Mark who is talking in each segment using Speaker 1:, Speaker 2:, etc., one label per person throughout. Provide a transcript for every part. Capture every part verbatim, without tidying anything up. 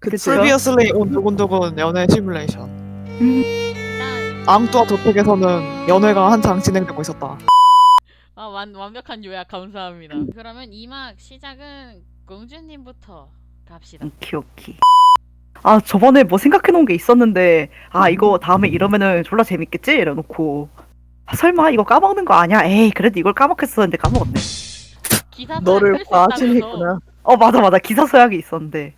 Speaker 1: 그치.
Speaker 2: 프리비어슬리 온 두근두근 연애 시뮬레이션.
Speaker 3: 일단
Speaker 2: 앙뚜아 저택에서는 연애가 한창 진행되고 있었다.
Speaker 3: 아, 완, 완벽한 요약 감사합니다. 그러면 이 막 시작은 공주님부터 갑시다.
Speaker 1: 오키 오키. 아 저번에 뭐 생각해놓은 게 있었는데 아 이거 다음에 이러면은 졸라 재밌겠지? 이래놓고 아, 설마 이거 까먹는 거 아니야? 에이 그래도 이걸 까먹겠었는데 까먹었네.
Speaker 3: 기사
Speaker 4: 너를
Speaker 3: 쓸수
Speaker 4: 과시했구나.
Speaker 1: 어 맞아 맞아 기사 서약이 있었는데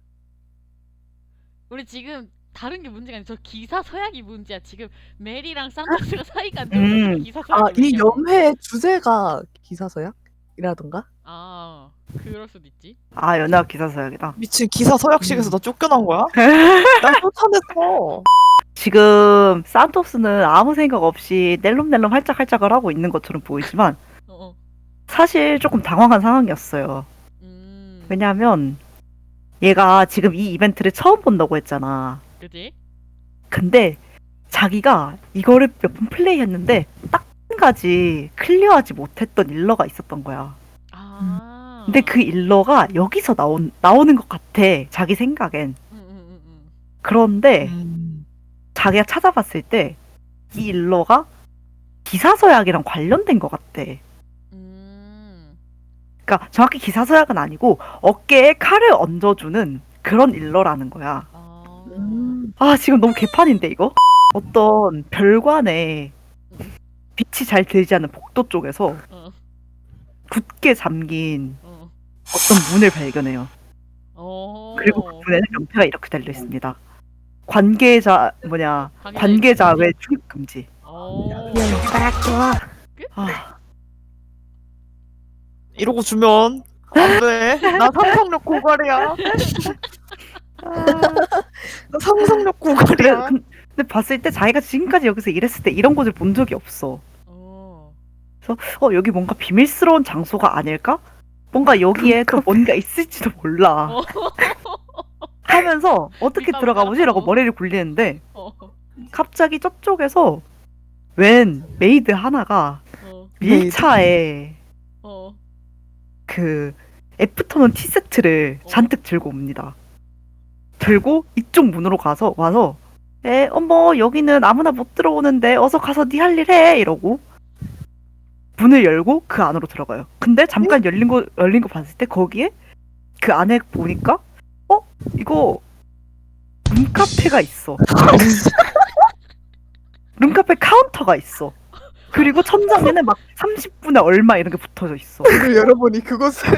Speaker 3: 우리 지금 다른 게 문제가 아니라 저 기사 서약이 문제야. 지금 메리랑 산토스가 사이가 안
Speaker 1: 음.
Speaker 3: 좋아서 기사 서약이
Speaker 4: 아, 이
Speaker 3: 문제야.
Speaker 4: 연회 주제가 기사서약이라던가?
Speaker 3: 아, 그럴 수도 있지.
Speaker 1: 아 연애학 기사 서약이다.
Speaker 2: 미친 기사 서약식에서 나 쫓겨난 거야? 나 쫓아냈어.
Speaker 1: 지금 산토스는 아무 생각 없이 낼름낼름 할짝할짝을 하고 있는 것처럼 보이지만
Speaker 3: 어, 어.
Speaker 1: 사실 조금 당황한 상황이었어요.
Speaker 3: 음.
Speaker 1: 왜냐하면 얘가 지금 이 이벤트를 처음 본다고 했잖아.
Speaker 3: 그지?
Speaker 1: 근데 자기가 이거를 몇 번 플레이했는데 딱 한 가지 클리어하지 못했던 일러가 있었던 거야.
Speaker 3: 아.
Speaker 1: 근데 그 일러가 여기서 나온, 나오는 것 같아. 자기 생각엔.
Speaker 3: 음, 음, 음, 음.
Speaker 1: 그런데
Speaker 2: 음.
Speaker 1: 자기가 찾아봤을 때 이 일러가 기사서약이랑 관련된 것 같대.
Speaker 3: 음.
Speaker 1: 그러니까 정확히 기사서약은 아니고 어깨에 칼을 얹어주는 그런 일러라는 거야.
Speaker 3: 아.
Speaker 4: 음.
Speaker 1: 아 지금 너무 개판인데 이거? 어떤 별관에 빛이 잘 들지 않는 복도 쪽에서
Speaker 3: 어.
Speaker 1: 굳게 잠긴
Speaker 3: 어.
Speaker 1: 어떤 문을 발견해요.
Speaker 3: 어.
Speaker 1: 그리고 그 문에는 명패가 이렇게 달려 있습니다. 관계자 뭐냐
Speaker 3: 관계자
Speaker 1: 관계자
Speaker 3: 입금지?
Speaker 1: 외 출입 금지.
Speaker 3: 어.
Speaker 1: 아
Speaker 2: 이러고 주면 안 돼. 나 상상력 고갈이야. 나 상상력
Speaker 1: 그래
Speaker 2: 고갈이야.
Speaker 1: 근- 근데 봤을 때 자기가 지금까지 여기서 일했을 때 이런 곳을 본 적이 없어.
Speaker 3: 어.
Speaker 1: 어 여기 뭔가 비밀스러운 장소가 아닐까? 뭔가 여기에 또 뭔가 있을지도 몰라.
Speaker 3: 어.
Speaker 1: 하면서 어떻게
Speaker 3: 밑밥
Speaker 1: 들어가 보지라고
Speaker 3: 깔아서.
Speaker 1: 머리를 굴리는데
Speaker 3: 어.
Speaker 1: 갑자기 저쪽에서 웬 메이드 하나가
Speaker 3: 어.
Speaker 1: 밀차에
Speaker 3: 어.
Speaker 1: 그 애프터눈 티 세트를
Speaker 3: 어.
Speaker 1: 잔뜩 들고 옵니다. 들고 이쪽 문으로 가서 와서 에 어머 여기는 아무나 못 들어오는데 어서 가서 네 할 일 해 이러고 문을 열고 그 안으로 들어가요. 근데 잠깐 열린 거 열린 거 봤을 때 거기에 그 안에 보니까 어 이거 룸카페가 있어. 룸카페 카운터가 있어. 그리고 천장에는 막 삼십 분에 얼마 이런 게 붙어져 있어.
Speaker 4: 문을 열어보니 그곳은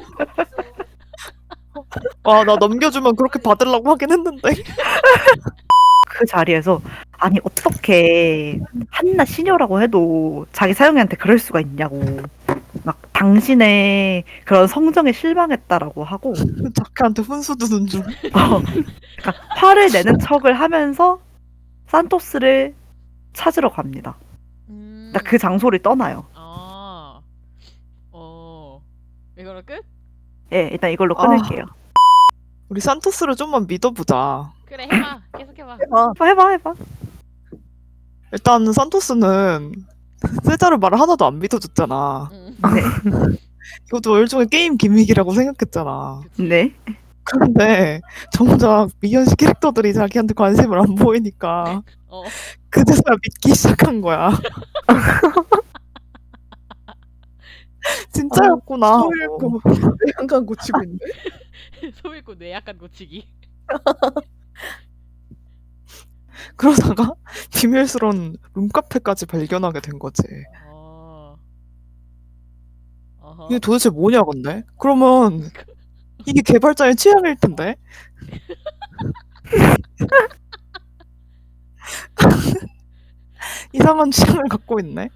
Speaker 2: 와, 나 넘겨주면 그렇게 받으려고 하긴 했는데.
Speaker 1: 그 자리에서 아니 어떻게 한나 시녀라고 해도 자기 사용이한테 그럴 수가 있냐고 막 당신의 그런 성정에 실망했다라고 하고
Speaker 2: 자크한테 훈수 두는 중.
Speaker 1: 어, 그러니까 화를 내는 척을 하면서 산토스를 찾으러 갑니다.
Speaker 3: 음.
Speaker 1: 그러니까 그 장소를 떠나요.
Speaker 3: 아. 어. 이걸로 끝?
Speaker 1: 예, 일단 이걸로
Speaker 2: 아.
Speaker 1: 끊을게요.
Speaker 2: 우리 산토스를 좀만 믿어보자.
Speaker 3: 그래, 해봐. 계속 해봐.
Speaker 4: 해봐.
Speaker 1: 해봐, 해봐, 해봐.
Speaker 2: 일단 산토스는 세자를 말을 하나도 안 믿어줬잖아.
Speaker 3: 응.
Speaker 1: 네,
Speaker 2: 이것도 일종의 게임 기믹이라고 생각했잖아.
Speaker 1: 네.
Speaker 2: 그런데 정작 미연씨 캐릭터들이 자기한테 관심을 안 보이니까
Speaker 3: 어.
Speaker 2: 그제서야 믿기 시작한 거야. 진짜였구나. 하고.
Speaker 4: 소일고 한강 고치고 있네.
Speaker 3: 소일고 뇌 약간 고치기.
Speaker 2: 그러다가 비밀스러운 룸카페까지 발견하게 된 거지.
Speaker 3: 어. 어허.
Speaker 2: 이게 도대체 뭐냐 근데? 그러면 이게 개발자의 취향일 텐데? 이상한 취향을 갖고 있네.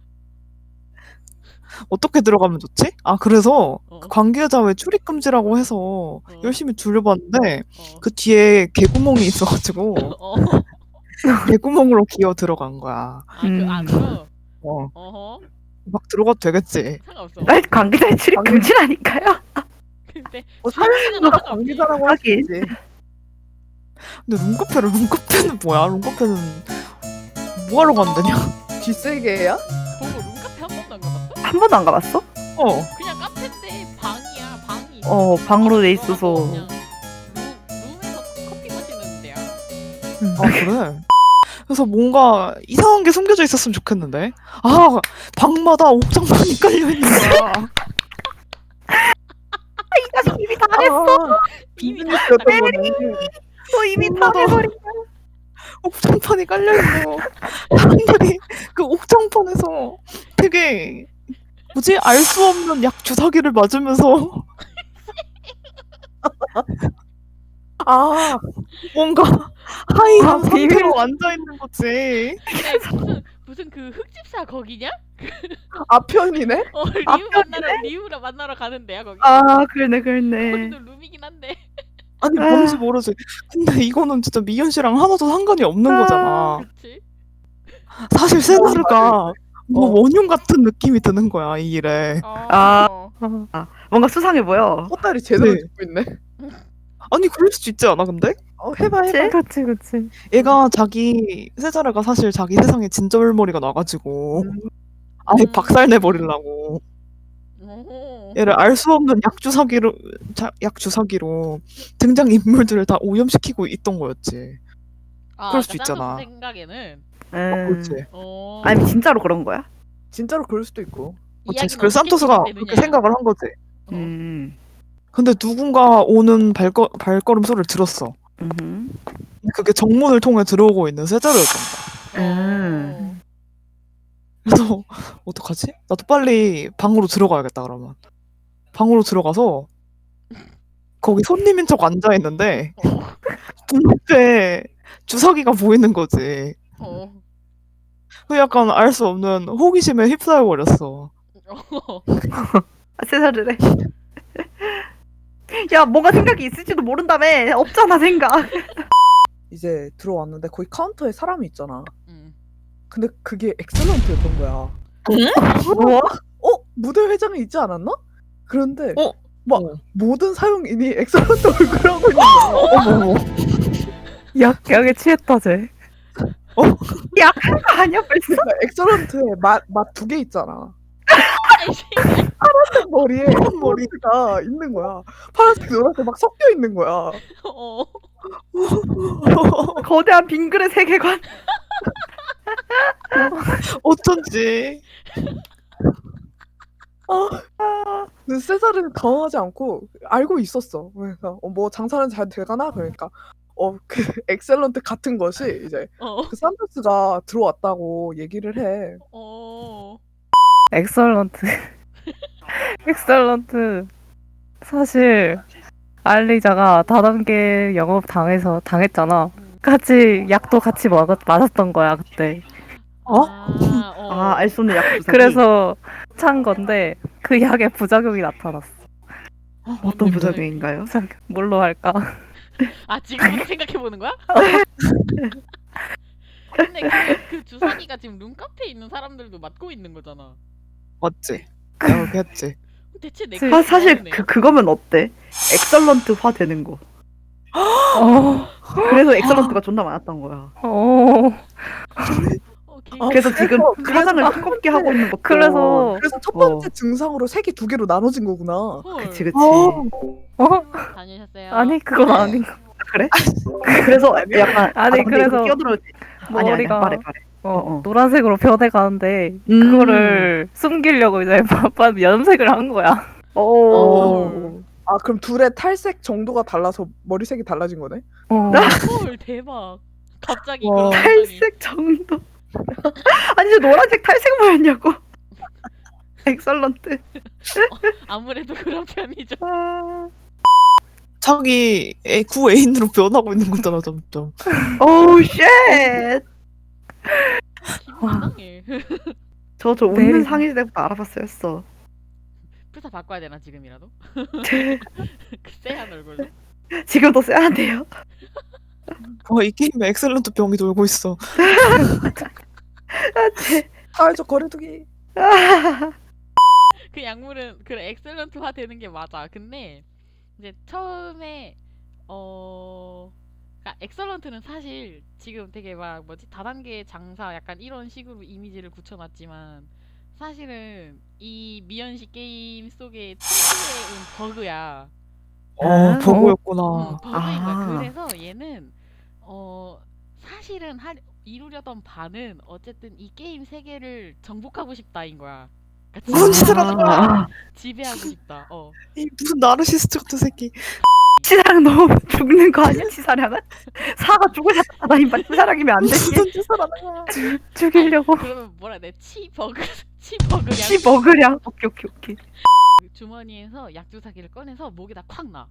Speaker 2: 어떻게 들어가면 좋지? 아 그래서
Speaker 3: 어.
Speaker 2: 그 관계자 왜 출입 금지라고 해서
Speaker 3: 어.
Speaker 2: 열심히 둘러봤는데
Speaker 3: 어.
Speaker 2: 그 뒤에 개구멍이 있어가지고
Speaker 3: 어.
Speaker 2: 개구멍으로 기어 들어간 거야.
Speaker 3: 아, 그
Speaker 1: 음.
Speaker 3: 안으로?
Speaker 2: 어,
Speaker 3: 어허.
Speaker 2: 막 들어가도 되겠지.
Speaker 3: 상관없어.
Speaker 1: 날 관계자의 출입 금지라니까요.
Speaker 3: 근데
Speaker 4: 뭐
Speaker 3: 사연이는
Speaker 4: 누가
Speaker 3: 상관없지.
Speaker 4: 관계자라고 하지.
Speaker 1: 하긴.
Speaker 2: 근데 룸카페를 룸카페는 뭐야? 룸카페는 뭐하러 간다냐?
Speaker 4: 쥐세계야?
Speaker 3: 보고 룸카페 한 번도 안 가봤어?
Speaker 1: 한 번도 안 가봤어?
Speaker 2: 어.
Speaker 3: 그냥 카페인데 방이야. 방이 있어.
Speaker 1: 어, 방으로 돼
Speaker 3: 방으로
Speaker 1: 있어서.
Speaker 3: 그냥 룸, 룸에
Speaker 2: 아 그래? 그래서 뭔가 이상한 게 숨겨져 있었으면 좋겠는데. 아 방마다 옥장판이 깔려 있는 거야.
Speaker 1: 이 자식 이미 다 했어.
Speaker 3: 이미 다
Speaker 4: 비즈니스였던
Speaker 3: 했다.
Speaker 4: 거네.
Speaker 1: 너 이미 다
Speaker 2: 방마다
Speaker 1: 해버린.
Speaker 2: 옥장판이 깔려 있고 사람들이 그 옥장판에서 되게 뭐지 알 수 없는 약 주사기를 맞으면서
Speaker 4: 아,
Speaker 2: 뭔가 하이한
Speaker 1: 아, 비밀.
Speaker 2: 상태로 앉아 있는 거지.
Speaker 3: 근데 무슨 무슨 그 흑집사 거기냐?
Speaker 4: 아편이네?
Speaker 3: 어 리우
Speaker 1: 앞편이네?
Speaker 3: 만나러 리우를 만나러 가는데야 거기.
Speaker 1: 아 그러네 그러네.
Speaker 3: 거기도 룸이긴 한데.
Speaker 2: 아니
Speaker 1: 아.
Speaker 2: 뭔지 모르지. 근데 이거는 진짜 미연 씨랑 하나도 상관이 없는
Speaker 1: 아.
Speaker 2: 거잖아.
Speaker 3: 그렇지.
Speaker 2: 사실 세나르가 뭐
Speaker 4: 어.
Speaker 2: 원흉 같은 느낌이 드는 거야 이 일에.
Speaker 3: 어.
Speaker 1: 아. 뭔가 수상해 보여.
Speaker 4: 헛다리 제대로
Speaker 2: 네.
Speaker 4: 짚고 있네.
Speaker 2: 아니 그럴 수도 있지 않아 근데?
Speaker 4: 어, 해봐,
Speaker 1: 그치?
Speaker 4: 해봐.
Speaker 2: 그치 그치. 얘가 자기 세자르가 사실 자기 세상에 진절머리가 나가지고
Speaker 4: 음.
Speaker 2: 아예
Speaker 3: 음.
Speaker 2: 박살 내버리려고
Speaker 3: 오.
Speaker 2: 얘를 알 수 없는 약주사기로 자, 약주사기로 등장 인물들을 다 오염시키고 있던 거였지.
Speaker 3: 아,
Speaker 2: 그럴 수도
Speaker 3: 그러니까
Speaker 2: 있잖아.
Speaker 3: 산토스 생각에는.
Speaker 1: 음.
Speaker 2: 그렇지.
Speaker 3: 어.
Speaker 1: 아니 진짜로 그런 거야?
Speaker 4: 진짜로 그럴 수도 있고.
Speaker 2: 그렇지.
Speaker 3: 이야기는
Speaker 2: 그래서
Speaker 3: 어떻게
Speaker 2: 산토스가
Speaker 3: 진행되느냐.
Speaker 2: 그렇게 생각을 한 거지.
Speaker 3: 어.
Speaker 1: 음.
Speaker 2: 근데 누군가 오는 발거, 발걸음 소리를 들었어.
Speaker 1: 음.
Speaker 2: 근데 그게 정문을 통해 들어오고 있는 세자르였던 거야.
Speaker 1: 음.
Speaker 2: 그래서 어떡하지? 나도 빨리 방으로 들어가야겠다 그러면. 방으로 들어가서 거기 손님인 척 앉아 있는데
Speaker 3: 어.
Speaker 2: 눈앞에 주사기가 보이는 거지.
Speaker 3: 어.
Speaker 2: 그 약간 알 수 없는 호기심에 휩싸여 버렸어.
Speaker 3: 어.
Speaker 1: 아, 세살이래. 야 뭔가 생각이 있을지도 모른다며. 없잖아 생각.
Speaker 4: 이제 들어왔는데 거기 카운터에 사람이 있잖아.
Speaker 3: 음.
Speaker 4: 근데 그게 엑셀런트였던 거야.
Speaker 1: 뭐?
Speaker 4: 어? 무대 회장에 있지 않았나? 그런데
Speaker 2: 어?
Speaker 4: 막
Speaker 2: 어.
Speaker 4: 모든 사용인이 엑셀런트 얼굴을 하고 있는 거야.
Speaker 2: 어머 어머.
Speaker 1: 약 약에 취했다 쟤.
Speaker 2: 어?
Speaker 1: 약한 거 아니야 벌써?
Speaker 4: 그러니까 엑셀런트에 맛맛 두 개 있잖아.
Speaker 3: 아이씨.
Speaker 4: 파란색 머리에
Speaker 2: 머리.
Speaker 4: 머리가 있는 거야. 파란색 노란색 막 섞여 있는 거야.
Speaker 3: 어.
Speaker 1: 거대한 빙그레 세계관.
Speaker 2: 어쩐지.
Speaker 4: 근데 세자르는 당황하지 않고 알고 있었어. 그러니까 어, 뭐 장사는 잘 돼가나? 그러니까 어 그 엑셀런트 같은 것이 이제
Speaker 3: 어.
Speaker 4: 그 산토스가 들어왔다고 얘기를 해.
Speaker 3: 어.
Speaker 5: 엑설런트. 엑설런트. 사실 알리자가 다단계 영업 당해서 당했잖아.
Speaker 3: 음.
Speaker 5: 같이 약도 같이 먹, 맞았던 거야 그때.
Speaker 2: 어?
Speaker 3: 아, 어.
Speaker 1: 아 알 수 없는 약 주사기.
Speaker 5: 그래서 찬 건데 그 약에 부작용이 나타났어.
Speaker 1: 어떤 부작용인가요?
Speaker 5: 뭘로 할까?
Speaker 3: 아 지금부터 생각해 보는 거야? 근데 그, 그 주사기가 지금 룸카페에 있는 사람들도 맡고 있는 거잖아.
Speaker 2: 맞지? 내가 그렇게 했지.
Speaker 3: 대체
Speaker 5: 그-
Speaker 3: 내가
Speaker 1: 사, 사실 그 그거면 어때? 엑설런트화 되는 거.
Speaker 5: 어,
Speaker 1: 그래서 엑설런트가 존나 많았던 거야.
Speaker 5: 어.
Speaker 3: 오케이.
Speaker 4: 아,
Speaker 1: 그래서 지금
Speaker 4: 그래서-
Speaker 1: 그 화장을
Speaker 4: 그래서
Speaker 1: 두껍게 하고 있는 것도.
Speaker 5: 그래서
Speaker 4: 그래서 첫
Speaker 1: 어.
Speaker 4: 번째 증상으로 색이 두 개로 나눠진 거구나.
Speaker 3: 헐.
Speaker 1: 그치 그치.
Speaker 5: 어?
Speaker 3: 다녀오셨어요?
Speaker 5: 아니 그건 아닌 거.
Speaker 1: 그래? 그래서 약간
Speaker 5: 아니,
Speaker 1: 아, 근데
Speaker 5: 그래서
Speaker 1: 이거 끼어들어야지. 아니 아니
Speaker 5: 머리가
Speaker 1: 말해 말해.
Speaker 5: 어,
Speaker 1: 어.
Speaker 5: 노란색으로 변해가는데
Speaker 1: 음.
Speaker 5: 그거를 숨기려고 이제 바빠 염색을 한 거야.
Speaker 1: 오.
Speaker 3: 어.
Speaker 4: 아 그럼 둘의 탈색 정도가 달라서 머리색이 달라진 거네?
Speaker 5: 어.
Speaker 3: 헐 대박. 갑자기
Speaker 2: 와.
Speaker 3: 그런 감정이.
Speaker 1: 탈색 정도. 아니 저 노란색 탈색 뭐였냐고. 엑설런트.
Speaker 3: 아무래도 그런 편이죠.
Speaker 1: 아.
Speaker 2: 자기 애, 구 애인으로 변하고 있는 거잖아 점점.
Speaker 1: 오우 쉣.
Speaker 3: 기분 이상해.
Speaker 1: 저저 웃는
Speaker 5: 내리-
Speaker 1: 상일 때부터 알아봤어야 했어.
Speaker 3: 프사 바꿔야 되나 지금이라도? 그 쎄한 얼굴로.
Speaker 1: 지금도 써야 돼요.
Speaker 2: 어, 이 게임에 엑셀런트 병이 돌고 있어.
Speaker 4: 사회적 거리두기.
Speaker 3: 그 약물은 그 엑셀런트화 되는 게 맞아. 근데 이제 처음에 어 그러니까 엑셀런트는 사실 지금 되게 막 뭐지 다단계 장사 약간 이런 식으로 이미지를 굳혀놨지만 사실은 이 미연시 게임 속의 특유의 버그야.
Speaker 2: 어,
Speaker 1: 아,
Speaker 2: 버그였구나.
Speaker 3: 응, 버그인 거야.
Speaker 1: 아.
Speaker 3: 그래서 얘는 어 사실은 할 이루려던 바는 어쨌든 이 게임 세계를 정복하고 싶다인 거야. 그러니까
Speaker 2: 무슨
Speaker 3: 지배-
Speaker 2: 짓을 하는 거야?
Speaker 3: 지배하고 싶다. 어.
Speaker 2: 이 무슨 나르시스트 같은 새끼.
Speaker 1: 치사랑 너무 죽는 거 아니야? 치사랑은? 사가 죽으셨다 이만 치사랑이면 안 되지.
Speaker 2: 무슨 짓을 하는 거야?
Speaker 1: 죽이려고.
Speaker 3: 그러면 뭐라 해야 돼? 치버그 치버그량
Speaker 1: 치 먹으랴. 오케이 오케이 오케이.
Speaker 3: 주머니에서 약주사기를 꺼내서 목에다 콱 놔.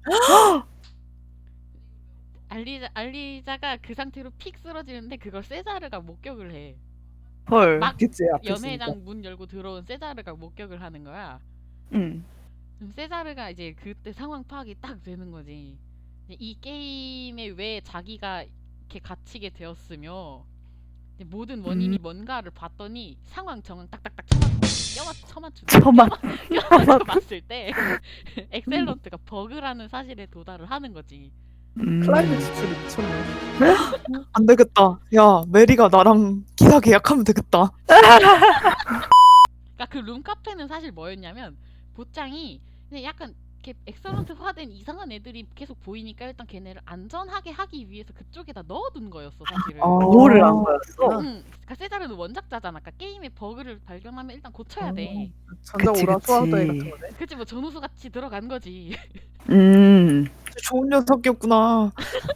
Speaker 3: 알리자 알리자가 그 상태로 픽 쓰러지는데 그걸 세자르가 목격을 해.
Speaker 1: 헐.
Speaker 3: 막
Speaker 4: 그치 앞에 있으니까.
Speaker 3: 연회장 문 열고 들어온 세자르가 목격을 하는 거야.
Speaker 1: 응.
Speaker 3: 그럼 세자르가 이제 그때 상황 파악이 딱 되는 거지. 이제 이 게임에 왜 자기가 이렇게 갇히게 되었으며 이제 모든 원인이
Speaker 1: 음.
Speaker 3: 뭔가를 봤더니 상황 정황 딱딱딱 쳐맞 쳐맞추
Speaker 1: 처만.
Speaker 3: 껴맞춰 봤을 때 엑셀런트가 버그라는 사실에 도달을 하는 거지.
Speaker 1: 음.
Speaker 4: 클라이맥스 줄이 미쳤네.
Speaker 2: 안 되겠다. 야, 메리가 나랑 기사 계약하면 되겠다.
Speaker 3: 그러니까 그 룸카페는 사실 뭐였냐면 보짱이 그냥 약간 이렇게 엑설런트화된 이상한 애들이 계속 보이니까 일단 걔네를 안전하게 하기 위해서 그쪽에다 넣어둔 거였어 사실은.
Speaker 2: 어.
Speaker 1: 뭐를 한 거였어?
Speaker 3: 응, 그러니까 세자르는 원작자잖아. 그러니까 게임의 버그를 발견하면 일단 고쳐야 돼.
Speaker 4: 전자
Speaker 1: 그치,
Speaker 4: 오라
Speaker 1: 그치.
Speaker 4: 소화도에 같은 거네.
Speaker 3: 그치 뭐 전우수 같이 들어간 거지.
Speaker 1: 음.
Speaker 2: 좋은 녀석이었구나.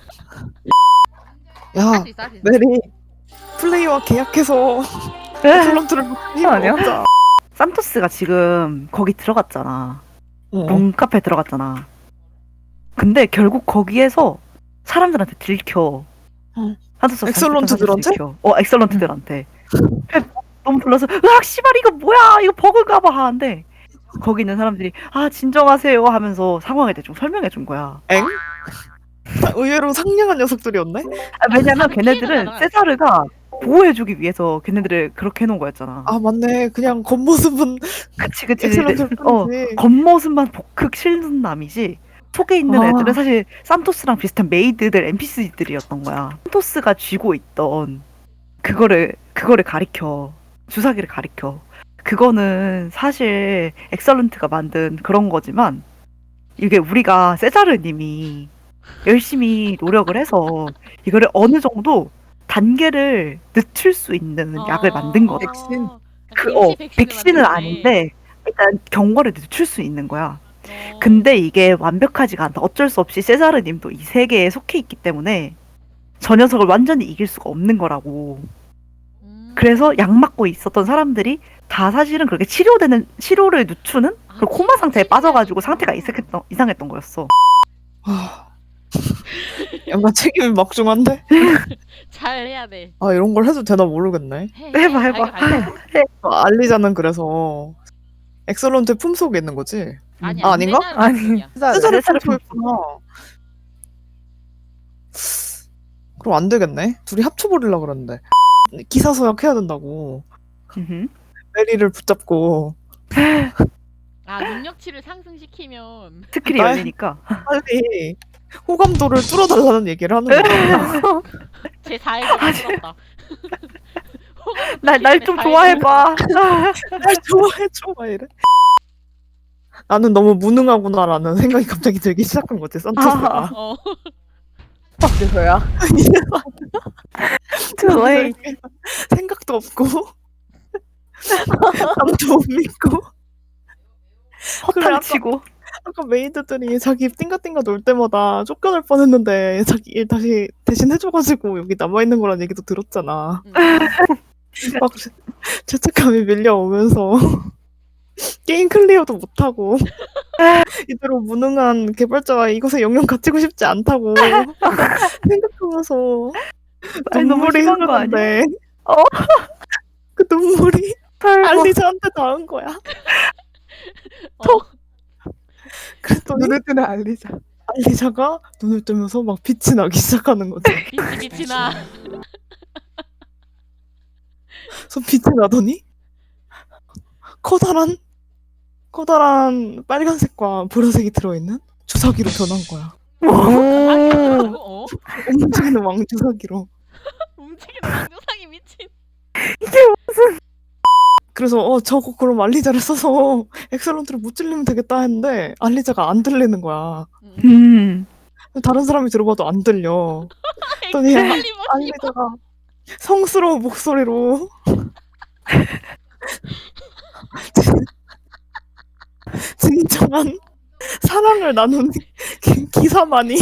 Speaker 2: 야,
Speaker 3: 할 수 있어, 할 수 있어.
Speaker 2: 메리. 플레이와 계약해서 엑셀런트를 힘
Speaker 5: 아니야?
Speaker 2: 얻자.
Speaker 1: 산토스가 지금 거기 들어갔잖아.
Speaker 2: 어.
Speaker 1: 룸카페 들어갔잖아. 근데 결국 거기에서 사람들한테 들켜.
Speaker 2: 어.
Speaker 1: 산토스가
Speaker 2: 엑설런트들한테?
Speaker 1: 들켜. 어, 엑설런트들한테. 너무 불러서 으악 씨발 이거 뭐야 이거 버그인가봐 하는데 거기 있는 사람들이 아 진정하세요 하면서 상황에 대해 좀 설명해 준 거야.
Speaker 2: 엥? 의외로 상냥한 녀석들이었네?
Speaker 1: 아, 왜냐면
Speaker 3: 다들
Speaker 1: 걔네들은
Speaker 3: 피해가 나잖아.
Speaker 1: 세자르가 보호해주기 위해서 걔네들을 그렇게 해놓은 거였잖아.
Speaker 2: 아, 맞네. 그냥 겉모습은
Speaker 1: 그치 그치.
Speaker 2: 엑셀런트일
Speaker 1: 어,
Speaker 2: 뿐이지.
Speaker 1: 겉모습만 복극 실눈남이지 속에 있는
Speaker 2: 아.
Speaker 1: 애들은 사실 산토스랑 비슷한 메이드들 엔피씨들이었던 거야. 산토스가 쥐고 있던 그거를 그거를 가리켜. 주사기를 가리켜. 그거는 사실 엑설런트가 만든 그런 거지만 이게 우리가 세자르님이 열심히 노력을 해서 이거를 어느 정도 단계를 늦출 수 있는 약을 만든 거야.
Speaker 4: 백신?
Speaker 1: 그, 어, 백신은 아닌데 일단 경과를 늦출 수 있는 거야. 근데 이게 완벽하지가 않다. 어쩔 수 없이 세자르님도 이 세계에 속해 있기 때문에 저 녀석을 완전히 이길 수가 없는 거라고. 그래서 약 맞고 있었던 사람들이 다 사실은 그렇게 치료되는 치료를 늦추는 그 코마 상태에 빠져가지고 상태가 이상했던 이상했던 거였어.
Speaker 2: 아, 약간 책임이 막중한데?
Speaker 3: 잘 해야 돼.
Speaker 2: 아, 이런 걸 해도 되나 모르겠네.
Speaker 3: 해,
Speaker 1: 해봐,
Speaker 3: 해.
Speaker 1: 해봐.
Speaker 3: 알게, 알게.
Speaker 2: 아, 알리자는 그래서 엑설런트 품속에 있는 거지?
Speaker 3: 아니야,
Speaker 2: 아, 아닌가?
Speaker 3: 세자르
Speaker 5: 아니.
Speaker 3: 품속이야.
Speaker 4: 세자르.
Speaker 2: 세자르
Speaker 1: 세자르
Speaker 2: 품속에 있구나. 그럼 안 되겠네. 둘이 합쳐버리려고 그러는데. 기사 서약해야 된다고.
Speaker 1: 음흠.
Speaker 2: 메리를 붙잡고
Speaker 3: 아 능력치를 상승시키면
Speaker 1: 스킬이
Speaker 2: 날-
Speaker 1: 열리니까.
Speaker 2: 빨리 호감도를 뚫어달라는 얘기를 하는 거야.
Speaker 3: 제 사회가 만들었다.
Speaker 1: 날 날 좀 좋아해봐.
Speaker 2: 날 좋아해줘 막 이래. 나는 너무 무능하구나라는 생각이 갑자기 들기 시작한 거지, 산토스가.
Speaker 3: 어.
Speaker 4: 그래서야.
Speaker 1: 그거에
Speaker 2: 생각도 없고 남도 못 믿고. 그래,
Speaker 1: 허탕
Speaker 2: 아까,
Speaker 1: 치고.
Speaker 2: 아까 메이드들이 자기 띵가띵가 놀 때마다 쫓겨날 뻔했는데 자기 일 다시 대신 해줘가지고 여기 남아있는 거란 얘기도 들었잖아.
Speaker 3: 음.
Speaker 2: 막 죄- 죄책감이 밀려오면서 게임 클리어도 못하고 이대로 무능한 개발자가 이것에 영영 갇히고 싶지 않다고 생각하면서
Speaker 1: 아니, 너무
Speaker 2: 눈물이
Speaker 1: 심한 거 아니야?
Speaker 2: 흐르는데
Speaker 1: 어?
Speaker 2: 그 눈물이
Speaker 1: 설마.
Speaker 2: 알리자한테 닿은 거야.
Speaker 3: 어.
Speaker 2: 그랬더니
Speaker 4: 눈을 뜨는 알리자.
Speaker 2: 알리자가 눈을 뜨면서 막 빛이 나기 시작하는 거지.
Speaker 3: 빛이 빛이 나.
Speaker 2: 그래서 빛이 나더니 커다란 커다란 빨간색과 보라색이 들어있는 주사기로 변한 거야.
Speaker 3: 아니, 어?
Speaker 2: 움직이는 왕주사기로.
Speaker 3: 움직이는 왕조상이 미친.
Speaker 2: 그래서 어 저거 그럼 알리자를 써서 엑셀런트를 못 질리면 되겠다 했는데 알리자가 안 들리는 거야.
Speaker 3: 음.
Speaker 1: 음.
Speaker 2: 다른 사람이 들어봐도 안 들려. 그랬더니
Speaker 3: 엑셀리버.
Speaker 2: 아니다가 성스러운 목소리로 진정한 사랑을 나눈 기- 기사만이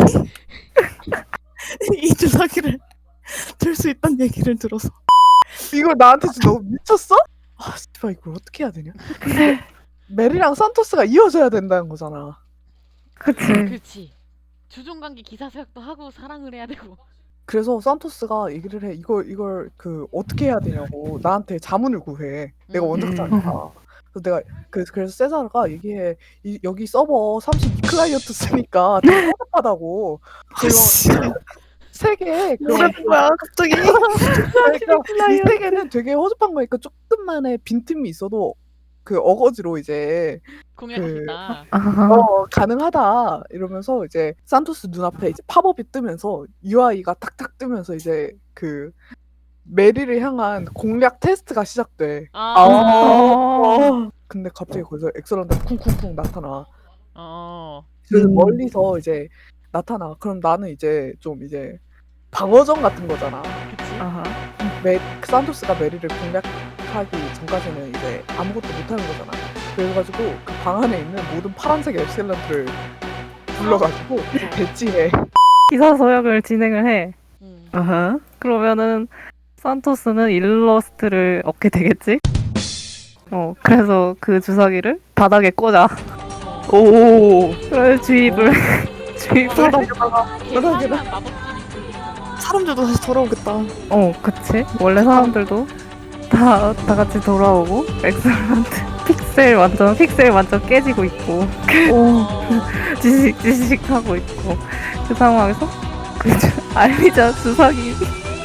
Speaker 2: 이 주사기를 들 수 있다는 얘기를 들어서
Speaker 4: 이걸 나한테 지금 너무 미쳤어? 아 씨발 이걸 어떻게 해야 되냐? 근데 메리랑 산토스가 이어져야 된다는 거잖아.
Speaker 5: 그치.
Speaker 3: 그렇지. 주종관계 기사서약도 하고 사랑을 해야 되고.
Speaker 4: 그래서 산토스가 얘기를 해. 이걸 이걸 그 어떻게 해야 되냐고 나한테 자문을 구해. 내가
Speaker 3: 음.
Speaker 4: 원작자니까. 그래서 내가 그 그래서 세자르가 얘기해. 이, 여기 서버 삼십이 클라이언트 쓰니까 되게 허접하다고. 그거 세계
Speaker 2: 뭐라는 거야 갑자기.
Speaker 4: 그러니까 이 세계는 되게 허접한 거니까 조금만의 빈틈이 있어도 그 어거지로 이제
Speaker 3: 공략하겠다.
Speaker 5: 아,
Speaker 4: 어 가능하다 이러면서 이제 산토스 눈앞에 이제 팝업이 뜨면서 유아이가 탁탁 뜨면서 이제 그 메리를 향한 공략 테스트가 시작돼.
Speaker 3: 아,
Speaker 5: 어.
Speaker 4: 근데 갑자기 거기서 엑설런트가 쿵쿵쿵 나타나.
Speaker 3: 어.
Speaker 4: 그래서
Speaker 2: 음.
Speaker 4: 멀리서 이제 나타나. 그럼 나는 이제 좀 이제 방어전 같은 거잖아.
Speaker 3: 그치.
Speaker 5: 아하.
Speaker 4: 메, 산토스가 메리를 공략하기 전까지는 이제 아무것도 못하는 거잖아. 그래가지고 그 방 안에 있는 모든 파란색 엑셀런트를 불러가지고 이제 배치해.
Speaker 5: 기사 서약을 진행을 해.
Speaker 3: 음.
Speaker 1: 아하.
Speaker 5: 그러면은 산토스는 일러스트를 얻게 되겠지? 어, 그래서 그 주사기를 바닥에 꽂아.
Speaker 3: 어.
Speaker 1: 오.
Speaker 5: 그래 주입을 주입을.
Speaker 2: 그러다가
Speaker 3: 개판한 마법진이 그
Speaker 2: 사람들도 다시 돌아오겠다.
Speaker 5: 어, 그치. 원래 사람들도 다, 다 같이 돌아오고 엑셀런트 픽셀 완전 픽셀 완전 깨지고 있고
Speaker 2: 오.
Speaker 5: 지식 지식 하고 있고 그 상황에서 그 주- 알리자 주사기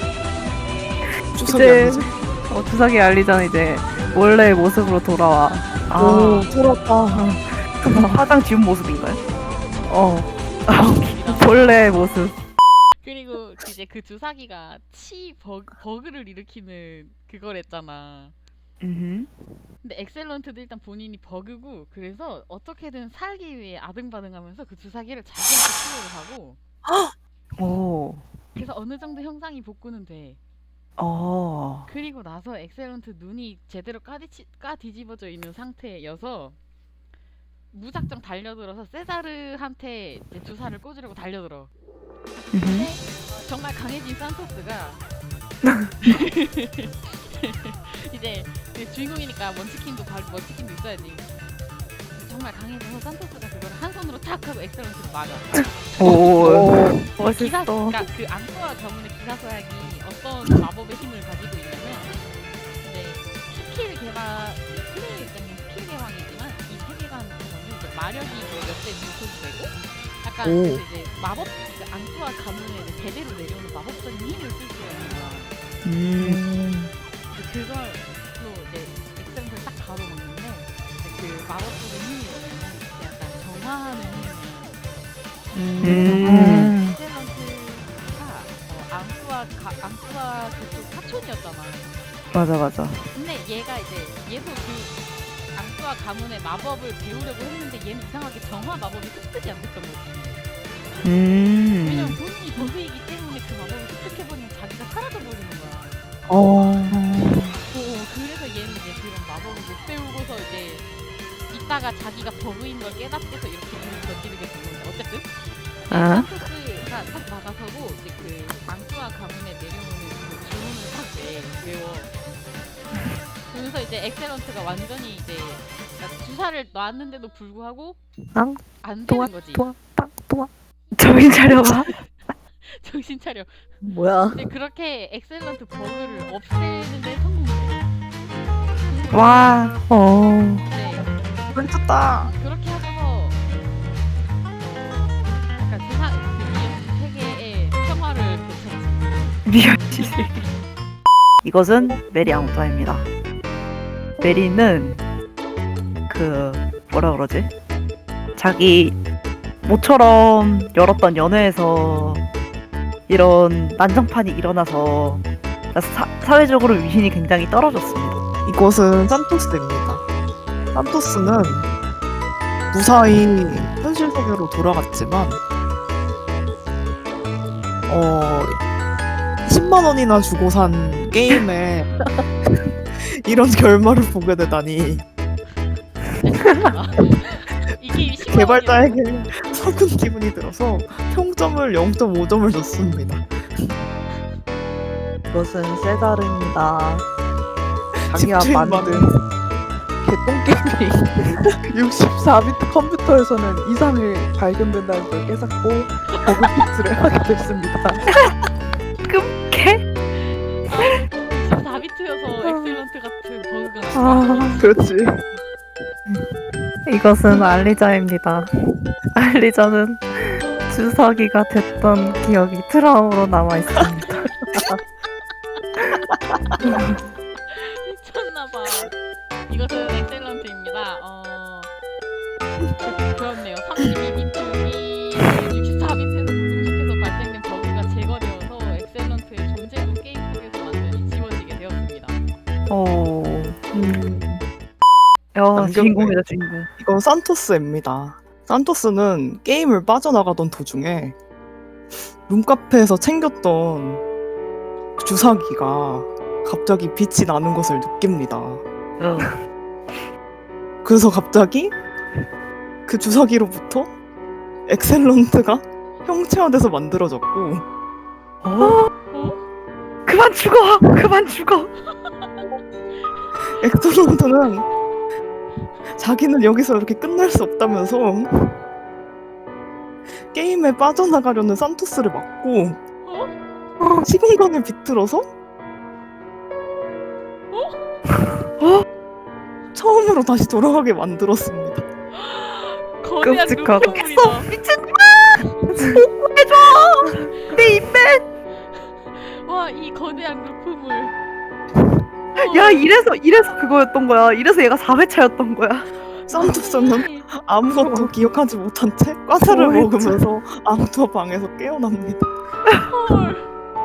Speaker 2: 주사기
Speaker 5: 이제
Speaker 2: 아니지?
Speaker 5: 어, 주사기 알리자는 이제 원래의 모습으로 돌아와.
Speaker 1: 아.
Speaker 2: 오 돌아왔다.
Speaker 1: 화장 지운 모습인가요?
Speaker 5: 어, 원래의 모습.
Speaker 3: 그리고 이제 그 주사기가 치 버그, 버그를 일으키는 그거랬잖아.
Speaker 1: 음.
Speaker 3: 근데 엑셀런트도 일단 본인이 버그고 그래서 어떻게든 살기 위해 아등바등하면서 그 주사기를 자기한테 투여를 하고
Speaker 1: 오.
Speaker 3: 그래서 어느 정도 형상이 복구는 돼.
Speaker 1: 어.
Speaker 3: 그리고 나서 엑셀런트 눈이 제대로 까디치, 까뒤집어져 있는 상태여서 무작정 달려들어서 세자르한테 이제 주사를 꽂으려고 달려들어. 근데
Speaker 1: 음.
Speaker 3: 정말 강해진 산토스가 이제 그 주인공이니까 먼치킨도 바 먼치킨도 있어야지. 정말 강해져서 산토스가 그걸 한 손으로 탁 하고 엑셀런트를 막아.
Speaker 1: 오.
Speaker 3: 기사,
Speaker 5: 멋있어.
Speaker 3: 그러니까 그 앙코와 가문의 기사서약이 어떤 마법의 힘을 가지고 있냐면 이제 스킬 개발 플레이 입장에서 스킬 개방이지만 이 세계관에서는 이제 마력이 몇대 분포되고 약간
Speaker 2: 오.
Speaker 3: 그래서 이제 마법 그 앙코와 가문의 이제 대대로 내려오는 마법적인 힘을 쓸 수가 있는 거야.
Speaker 1: 음.
Speaker 3: 근데 그걸로 이제 엑셀런트를 딱 가로막는데 이제 그 마법적인 힘이 뭐냐면 이제 약간 정화하는 힘이야.
Speaker 1: 음.
Speaker 3: 엑셀런트가 어, 앙쿠아 가, 앙쿠아 그쪽 사촌이었잖아.
Speaker 1: 맞아 맞아.
Speaker 3: 근데 얘가 이제 얘도 그 앙쿠아 가문의 마법을 배우려고 했는데 얘는 이상하게 정화 마법이 습득이 안 됐던 거지. 왜냐면
Speaker 1: 음.
Speaker 3: 본인이 버그이기 때문에 그 마법을 습득해버리면 자기가 사라져 버리는 거야.
Speaker 1: 어.
Speaker 3: 어, 그래서 얘는 이제 그런 마법을 못 배우고서 이제 이따가 자기가 버그인 걸 깨닫고서 이렇게 일을 저지르게 된 건데 어쨌든
Speaker 1: 아.
Speaker 3: 산토스가 딱 나가서고 이제 그 앙쿠아 가문에 내려오는 그 주문을 딱 내, 외워. 그러면서 이제 엑셀런트가 완전히 이제 그러니까 주사를 놨는데도 불구하고
Speaker 5: 앙,
Speaker 3: 안
Speaker 5: 도와,
Speaker 3: 되는 거지.
Speaker 5: 도와, 빵, 도와.
Speaker 1: 정신 차려봐.
Speaker 3: 정신 차려.
Speaker 1: 뭐야?
Speaker 3: 근데 그렇게 엑셀런트 버그를 없애는데 성공해.
Speaker 1: 와.
Speaker 5: 어,
Speaker 3: 네.
Speaker 2: 미쳤다.
Speaker 3: 그렇게 하고서 어, 약간 세상 그 세계의 평화를 되찾지.
Speaker 1: 미연씨. 이것은 메리 앙투아입니다. 메리는 그 뭐라 그러지? 자기 모처럼 열었던 연애에서 이런 난장판이 일어나서 사, 사회적으로 위신이 굉장히 떨어졌습니다.
Speaker 2: 이곳은 산토스입니다. 산토스는 무사히 현실 세계로 돌아갔지만 어 십 삼만 원이나 주고 산 게임에 이런 결말을 보게 되다니
Speaker 3: 이 게임 십만 원이었어.
Speaker 2: 개발자에게 서군 기분이 들어서 평점을 영 점 오 점을 줬습니다.
Speaker 4: 이것은 세다르입니다. 자기가
Speaker 2: 집주인
Speaker 4: 만든 개똥게임이 육십사 비트 컴퓨터에서는 이상이 발견된다는 걸 깨닫고 버그 픽스를 하게 됐습니다.
Speaker 1: 개?
Speaker 3: 사 비트여서 엑셀런트 같은 버그가
Speaker 5: 아,
Speaker 4: 그렇지.
Speaker 5: 이것은 알리자입니다. 알리자는 주사기가 됐던 기억이 트라우마로 남아 있습니다.
Speaker 3: 미쳤나봐. 이것은 엑셀런트입니다. 어... 그렇네요. 삼십이 비트이 육십사 비트에서 분석해서 발생된 버그가 제거되어서 엑셀런트의 존재로 게임 속에서 완전히 지워지게 되었습니다.
Speaker 1: 오.
Speaker 4: 음,
Speaker 1: 야,
Speaker 2: 남겼네.
Speaker 1: 주인공이다, 주인공.
Speaker 2: 이건 산토스입니다. 산토스는 게임을 빠져나가던 도중에 룸카페에서 챙겼던 주사기가 갑자기 빛이 나는 것을 느낍니다.
Speaker 1: 어.
Speaker 2: 그래서 갑자기 그 주사기로부터 엑셀런트가 형체화돼서 만들어졌고
Speaker 1: 어? 그만 죽어! 그만 죽어!
Speaker 2: 엑셀런트는 자기는 여기서 이렇게 끝날 수 없다면서 게임에 빠져나가려는 산토스를 막고 시공간을 비틀어서 처음으로 다시 돌아가게 만들었습니다.
Speaker 3: 거대한
Speaker 5: 끔찍하다.
Speaker 3: 눈꺼풀이다.
Speaker 1: 내 인맥!
Speaker 3: 와, 이 거대한 루프물.
Speaker 1: 야, 이래서, 이래서 그거였던 거야. 이래서 얘가 사 회차였던 거야.
Speaker 2: 산토스는 아무것도 기억하지 못한 채 과자를
Speaker 1: 오,
Speaker 2: 먹으면서 암투 방에서 깨어납니다.
Speaker 3: 헐.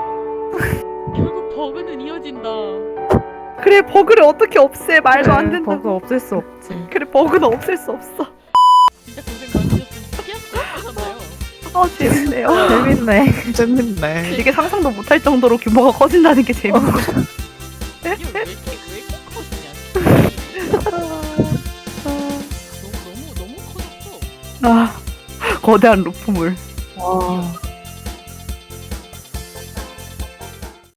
Speaker 3: 결국 버그는 이어진다.
Speaker 1: 그래, 버그를 어떻게 없애. 말도 안
Speaker 5: 그래,
Speaker 1: 된다.
Speaker 5: 버그 없앨 수 없지.
Speaker 1: 그래, 버그는 없앨 수 없어.
Speaker 3: 진짜 고생 많으셨습니다. 어떠셨나요?
Speaker 1: 어, 재밌네요.
Speaker 5: 재밌네.
Speaker 2: 재밌네.
Speaker 1: 이게 상상도 못할 정도로 규모가 커진다는 게 재밌어.
Speaker 3: 이게 왜 이렇게 왜 이렇게 커지냐? 너무 너무 너무 커졌어.
Speaker 1: 아, 거대한 루프물.
Speaker 2: 와,